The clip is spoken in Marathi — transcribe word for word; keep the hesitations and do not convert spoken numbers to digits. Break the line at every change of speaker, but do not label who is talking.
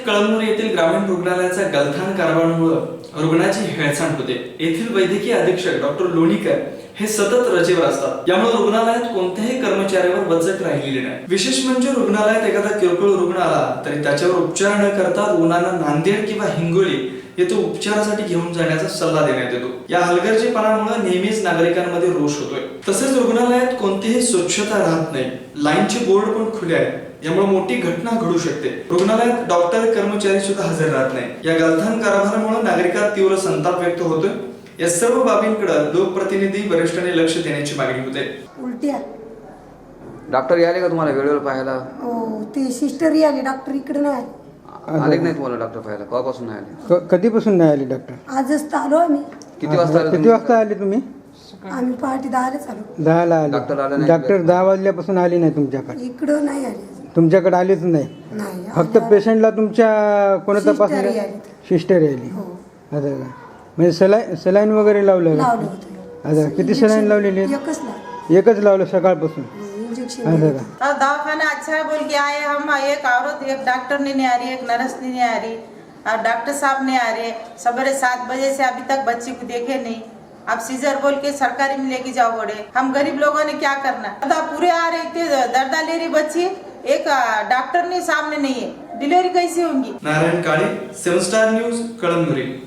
कळमनुरी येथील ग्रामीण रुग्णालयाचा गलथान कारभारामुळे रुग्णाची हेळसांड होते। येथील वैद्यकीय अधीक्षक डॉक्टर लोणीकर हे सतत रजेवर असतात, यामुळे रुग्णालयात कोणत्याही कर्मचाऱ्यावर वचक राहिलेली नाही। विशेष म्हणजे रुग्णालयात एखादा किरकोळ रुग्ण आला तरी त्याच्यावर उपचार न करता रुग्णांना नांदेड किंवा हिंगोली येथे उपचारासाठी घेऊन जाण्याचा सल्ला देण्यात येतो। या हलगर्जीपणामुळे नेहमीच नागरिकांमध्ये रोष होतोय। तसेच रुग्णालयात कोणतीही स्वच्छता राहत नाही, लाईनचे बोर्ड पण खुले आहेत, यामुळे मोठी घटना घडू शकते। रुग्णालयात डॉक्टर कर्मचारी सुद्धा हजर राहत नाही। या गलथान कारभारामुळे नागरिकांत तीव्र संताप व्यक्त होतोय। या सर्व बाबींकडे लोकप्रतिनिधी वरिष्ठांनी लक्ष देण्याची मागणी होते।
उलट्या
डॉक्टर याले का तुम्हाला वेळेवर पाहायला?
हो, ते सिस्टर आले, डॉक्टर इकडे नाही
आले नाही तुम्हाला डॉक्टर पाहायला? कवापासून नाही आले?
क- कधीपासून नाही आले डॉक्टर?
आजच तर आलो आम्ही।
किती वाजता आले
किती
तुम्ही?
वाजता आले तुम्ही?
आम्ही पहाटे दहालाच आलो।
दहाला आले।
डॉक्टर आले नाही?
डॉक्टर दहा वाजल्यापासून आले नाही तुमच्याकडे?
इकडं नाही आले अजून।
तुमच्याकडे आलेच नाही?
नाही
फक्त पेशंटला तुमच्या कोणा
सिस्टर
तपासलं?
आली.
सिस्टर आली.
हो,
असं का? म्हणजे सलाईन सलाईन वगैरे लावलं का?
लावलं होतं।
असं का? किती सलाईन लावलेली आहेत?
एकच लावलं,
एकच लावलं सकाळपासून?
इंजेक्शन
असं
दिलं।
का?
और दवाखाना अच्छा है बोल के आए हम, एक औरत एक डॉक्टर नहीं आ रही, एक नर्स नहीं आ रही और डॉक्टर साहब नहीं आ रहे। सवेरे सात बजे से अभी तक बच्ची को देखे नहीं। अब सीजर बोल के सरकारी में लेके जाओ बड़े, हम गरीब लोगों ने क्या करना? दर्दा पूरे आ रहे थे, दर्दा ले रही बच्ची, एक डॉक्टर नहीं सामने नहीं है, डिलीवरी कैसी होंगी?
Narayan Kale, seven star news, Kalamnuri.